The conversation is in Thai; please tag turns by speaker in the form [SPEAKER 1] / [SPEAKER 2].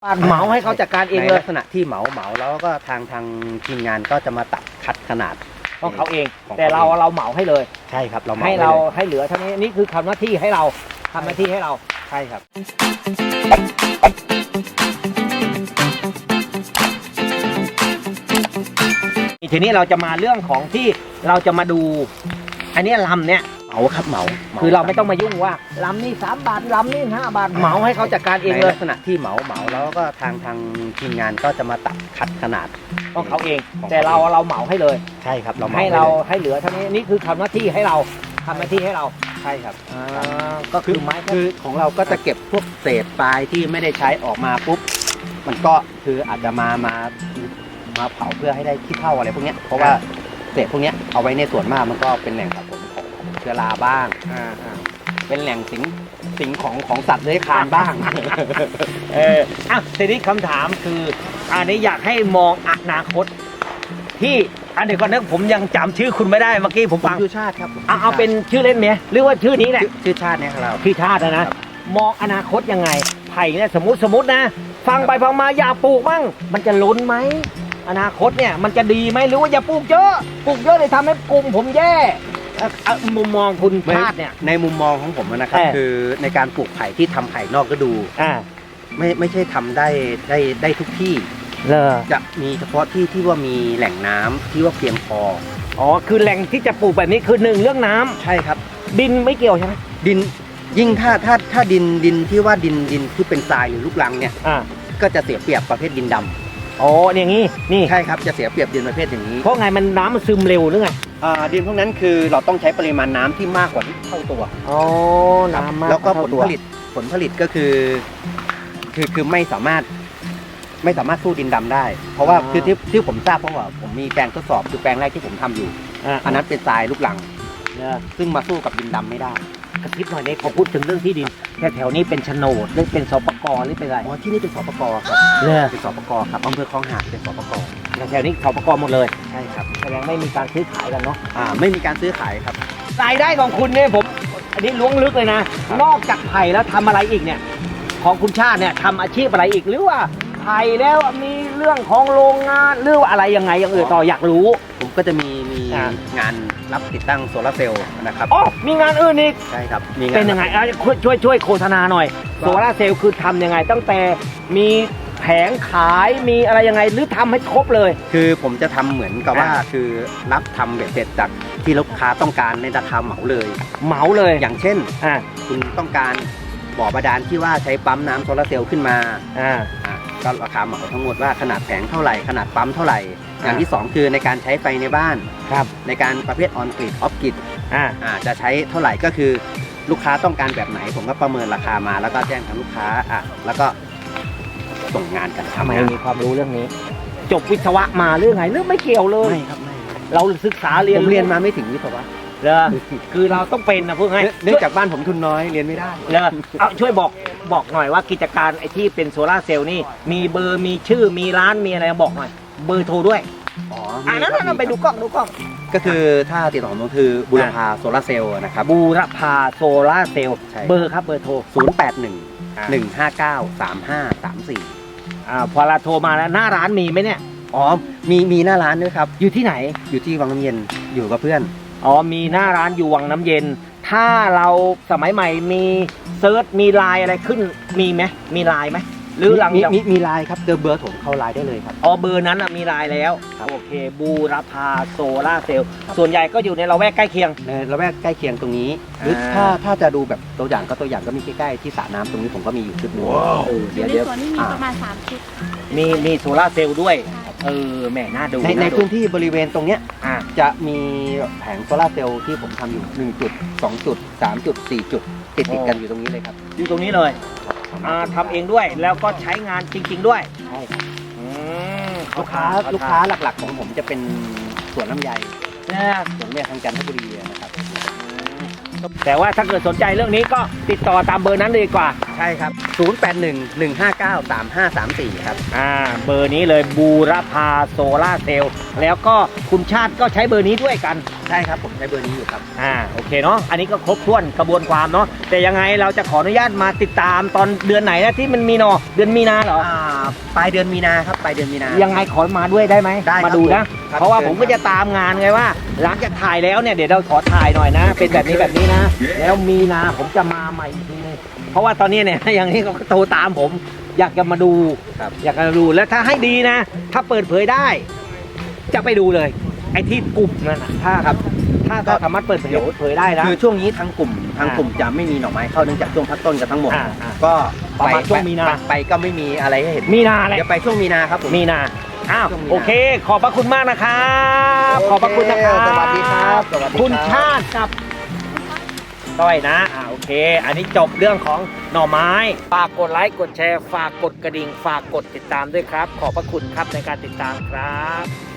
[SPEAKER 1] เหมาให้เขาจัดการเองเลย
[SPEAKER 2] ลักษณะที่เหมาแล้วก็ทางทีมงานก็จะมาตัดคัดขนาด
[SPEAKER 1] ของเขาเอง
[SPEAKER 2] ของเขา
[SPEAKER 1] แต่เราเหมาให้เลย
[SPEAKER 2] ใช่ครับเราเหมา
[SPEAKER 1] ให้เรา
[SPEAKER 2] ลย
[SPEAKER 1] ให้เหลือเท่านี้นี่คือทำหน้าที่ให้เราทำหน้าที่ให้เรา
[SPEAKER 2] ใช่ครับ
[SPEAKER 1] ทีนี้เราจะมาเรื่องของที่เราจะมาดู อันนี้ลำเนี้ย
[SPEAKER 2] เหมาครับเหมา
[SPEAKER 1] คือเราไม่ต้องมายุ่งว่าลำนี่3 บาทลำนี่5 บาทเหมาให้เขาจัดการเองเลย
[SPEAKER 2] ลักษณะที่เหมาแล้วก็ทางทีมงานก็จะมาตัดคัดขนาด
[SPEAKER 1] ของเขาเอง
[SPEAKER 2] ของเขา
[SPEAKER 1] แต่เราเหมาให้เลย
[SPEAKER 2] ใช่ครับเราเหมา
[SPEAKER 1] ให้เรา
[SPEAKER 2] ลย
[SPEAKER 1] ให้เหลือเท่านี้นี่คือทำหน้าที่ให้เราทำหน้าที่ให้เรา
[SPEAKER 2] ใช่ครับ
[SPEAKER 1] ก็คือไม้
[SPEAKER 2] คือของเราก็จะเก็บพวกเศษปลายที่ไม่ได้ใช้ออกมาปุ๊บมันก็คืออาจจะมาเผาเพื่อให้ได้ขี้เถ้าอะไรพวกเนี้ยเพราะว่าเศษพวกเนี้ยเอาไว้ในส่วนมากมันก็เป็นแหล่งสะสมของเชื้อราบ้างเป็นแหล่งสิงของสัตว์เลื้อยคลานบ้าง
[SPEAKER 1] ทีนี้คำถามคืออันนี้อยากให้มองอนาคตที่เดี๋ยวก่อนนะผมยังจำชื่อคุณไม่ได้เมื่อกี้ผมฟัง
[SPEAKER 2] ชื่อชาติครับ
[SPEAKER 1] เอาเป็นชื่อเล่นไหมหรือว่าชื่อนี้แหละ
[SPEAKER 2] ชื่อชาติเนี่ยครับเรา
[SPEAKER 1] พี่ชาตินะมองอนาคตยังไงไผ่เนี่ยสมมตินะฟังไปฟังมาอย่าปลูกมั่งมันจะล้นไหมอนาคตเนี่ยมันจะดีไหมหรือว่าอย่าปลูกเยอะเลยทำให้กลุ่มผมแย่มุมมองคุณชาติเนี่ย
[SPEAKER 2] ในมุมมองของผมนะครับคือในการปลูกไผ่ที่ทำไผ่นอกฤดูไม่ใช่ทำได้ทุกที่จะมีเฉพาะที่ว่ามีแหล่งน้ำที่ว่าเพียงพอ
[SPEAKER 1] คือแหล่งที่จะปลูกแบบนี้คือ1เรื่องน้ำ
[SPEAKER 2] ใช่ครับ
[SPEAKER 1] ดินไม่เกี่ยวใช่ไหม
[SPEAKER 2] ดินยิ่งถ้าดินที่ว่าดินที่เป็นทรายหรือลูกรังเนี่ยก็จะเสียเปรียบประเภทดินดำ
[SPEAKER 1] อย่างนี้นี่
[SPEAKER 2] ใช่ครับจะเสียเปรียบดินประเภทอย่างนี้
[SPEAKER 1] เพราะไงมันน้ำมันซึมเร็วหรือไง
[SPEAKER 2] ดินพวกนั้นคือเราต้องใช้ปริมาณน้ำที่มากกว่าที่เท่าตัว
[SPEAKER 1] น้ำมาก
[SPEAKER 2] แล้วก็ผลผลิตก็คือไม่สามารถสู้ดินดำได้ เพราะว่าคือที่ผมทราบเพราะว่าผมมีแปลงทดสอบคือแปลงแรกที่ผมทำอยู่อันนั้นเป็นทรายลูกรังซึ่งมาสู้กับดินดำไม่ได้
[SPEAKER 1] กระทิบหน่อยนี้พอพูดถึงเรื่องที่ดินแถวนี้เป็นโฉนดหรือเป็นสปกหรือเป็นอะไร
[SPEAKER 2] ที่นี่เป็นสปกครับเป็นสปกครับอำเภอคลองหาดเป็นสปก
[SPEAKER 1] แถวนี้สปกหมดเลย
[SPEAKER 2] ใช่ครับ
[SPEAKER 1] แสดงไม่มีการซื้อขายกันเนาะ
[SPEAKER 2] ไม่มีการซื้อขายครับ
[SPEAKER 1] รายได้ของคุณเนี่ยผมอันนี้ล้วงลึกเลยนะนอกจากไผ่แล้วทำอะไรอีกเนี่ยของคุณชาติเนี่ยทำอาชีพอะไรอีกหรือว่าไผ่แล้วมีเรื่องของโรงงานหรืออะไรยังไงอย่างอื่นต่ออยากรู้
[SPEAKER 2] ผมก็จะมีงานรับติดตั้งโซลาร์เซลล์นะครับ
[SPEAKER 1] มีงานอื่นอีก
[SPEAKER 2] ใช่ครับ
[SPEAKER 1] เป็นยังไงช่วยโฆษณาหน่อยโซลาร์เซลล์คือทำยังไงตั้งแต่มีแผงขายมีอะไรยังไงหรือทำให้ครบเลย
[SPEAKER 2] คือผมจะทำเหมือนกับว่าคือรับทำเบ็ดเสร็จจากที่ลูกค้าต้องการในราคาเหมาเลยอย่างเช่นคุณต้องการบ่อบาดาลที่ว่าใช้ปั๊มน้ำโซลาร์เซลล์ขึ้นมาก็ราคาเหมาทั้งหมดว่าขนาดแผงเท่าไหร่ขนาดปั๊มเท่าไหร่อย่างที่2คือในการใช้ไฟในบ้านในการประเภทออนกริดออฟกริดจะใช้เท่าไหร่ก็คือลูกค้าต้องการแบบไหนผมก็ประเมินราคามาแล้วก็แจ้งทางลูกค้าแล้วก็ส่งงานกัน
[SPEAKER 1] ทำไมมีความรู้เรื่องนี้จบวิศวะมาเรื่องไงหรือไม่เกี่ยวเลย
[SPEAKER 2] ไม่ครับไม่
[SPEAKER 1] เราศึกษาเรียน
[SPEAKER 2] มาไม่ถึงวิศวะ
[SPEAKER 1] คือเราต้องเป็นนะเพื่อให้
[SPEAKER 2] เนื่องจากบ้านผมทุนน้อยเรียนไม่ได้
[SPEAKER 1] ช่วยบอกหน่อยว่ากิจการไอที่เป็นโซลาร์เซลล์นี่มีเบอร์มีชื่อมีร้านมีอะไรบอกหน่อยเบอร์โทรด้วยนั้นเราไปดูกล้อง
[SPEAKER 2] ก็คือถ้าติดต่อผมคือบูรพาโซลาร์เซลล์นะครับ
[SPEAKER 1] บูรพาโซลาร์เซลล์เบอร์ครับเบอร์โทร
[SPEAKER 2] 0811593534
[SPEAKER 1] พอเราโทรมาแล้วหน้าร้านมีไหมเนี่ย
[SPEAKER 2] มีหน้าร้านด้วยครับ
[SPEAKER 1] อยู่ที่ไหน
[SPEAKER 2] อยู่ที่วังน้ำเย็นอยู่กับเพื่อน
[SPEAKER 1] มีหน้าร้านอยู่วังน้ำเย็นถ้าเราสมัยใหม่มีเซิร์ชมีไลน์อะไรขึ้นมีไหมมีไลน์ไหมหรือ
[SPEAKER 2] มีไลน์ครับเบอร์ผมเข้าไลน์ได้เลยครับ
[SPEAKER 1] เบอร์นั้นมีไลน์แล้วโอเคบูรพาโซล่าเซลล์ส่วนใหญ่ก็อยู่ในละแวกใกล้เคียง
[SPEAKER 2] ในละแวกใกล้เคียงตรงนี้หรือถ้าจะดูแบบตัวอย่างก็มีใกล้ๆที่สระน้ำตรงนี้ผมก็มีอยู่ชุดนึง
[SPEAKER 3] เดี๋ยวส่วนนี้มีประมาณ3ชุด
[SPEAKER 1] มีโซล่าเซลล์ด้วยแม่น่าดู
[SPEAKER 2] ในพื้นที่บริเวณตรงเนี้ยจะมีแผงโซลาร์เซลล์ที่ผมทำอยู่1จุด2จุด3จุด4จุดติดกันอยู่ตรงนี้เลยครับ
[SPEAKER 1] อยู่ตรงนี้เลยทำเองด้วยแล้วก็ใช้งานจริงๆด้วย
[SPEAKER 2] ใช่ครับลูกค้าหลักๆของผมจะเป็นสวนลำไยสวนเนี่ยทางจันทบุรีนะครับ
[SPEAKER 1] แต่ว่าถ้าเกิดสนใจเรื่องนี้ก็ติดต่อตามเบอร์นั้นเลยดีกว่า
[SPEAKER 2] ใช่ครับ0811593534ครับ
[SPEAKER 1] เบอร์นี้เลยบูรพาโซล่าเซลล์แล้วก็คุณชาติก็ใช้เบอร์นี้ด้วยกัน
[SPEAKER 2] ใช่ครับผมใช้เบอร์นี้อยู่ครับ
[SPEAKER 1] โอเคเนาะอันนี้ก็ครบถ้วนกระบวนความเนาะแต่ยังไงเราจะขออนุญาตมาติดตามตอนเดือนไหนนะที่มันมีเนาะเดือนมีนาเหรอ
[SPEAKER 2] ปลายเดือนมีนาครับปลายเดือนมีนา
[SPEAKER 1] ยังไงขอมาด้วยได้ไหม
[SPEAKER 2] ได้ครับ
[SPEAKER 1] มาดูนะ
[SPEAKER 2] ครับ
[SPEAKER 1] เพราะว่า
[SPEAKER 2] เชิญ
[SPEAKER 1] ผมก็จะตามงานไงว่าหลังจากถ่ายแล้วเนี่ยเดี๋ยวเราขอถ่ายหน่อยนะ เป็นแบบนี้แบบนี้นะ แล้วมีนาผมจะมาใหม่อีกทีนึงเพราะว่าตอนนี้เนี่ย อย่างนี้เขาก็โทรตามผม อยากจะมาดู
[SPEAKER 2] ครับ
[SPEAKER 1] อยากจะมาดูแล้วถ้าให้ดีนะ ถ้าเปิดเผยได้ จะไปดูเลย ไอ้ที่กลุ่มนั่นนะถ้า
[SPEAKER 2] ครับ
[SPEAKER 1] ถ้าสามารถเปิดเผยได้นะ
[SPEAKER 2] คือช่วงนี้ทางกลุ่มจะไม่มีหน่อไม้เข้าเนื่องจากช่วงพักต้นกันทั้งหมด
[SPEAKER 1] อ่า
[SPEAKER 2] ก็
[SPEAKER 1] ประมาณช่วงมีนา
[SPEAKER 2] ไปก็ไม่มีอะไรให้เห็น
[SPEAKER 1] มีนาอะไร
[SPEAKER 2] เดี๋ยวไปช่วงมีนาครับผม
[SPEAKER 1] มีนาอ้าว
[SPEAKER 2] ช่วงมีนา
[SPEAKER 1] โอเค ขอบพระคุณมากนะครับ ขอบพระคุณนะครับ
[SPEAKER 2] สวัสดีครับสวัสดีครับ
[SPEAKER 1] คุณชาติกับต้อยนะโอเค อันนี้จบเรื่องของหน่อไม้ ฝากกดไลค์ กดแชร์ ฝากกดกระดิ่ง ฝากกดติดตามด้วยครับ ขอบพระคุณครับในการติดตามครับ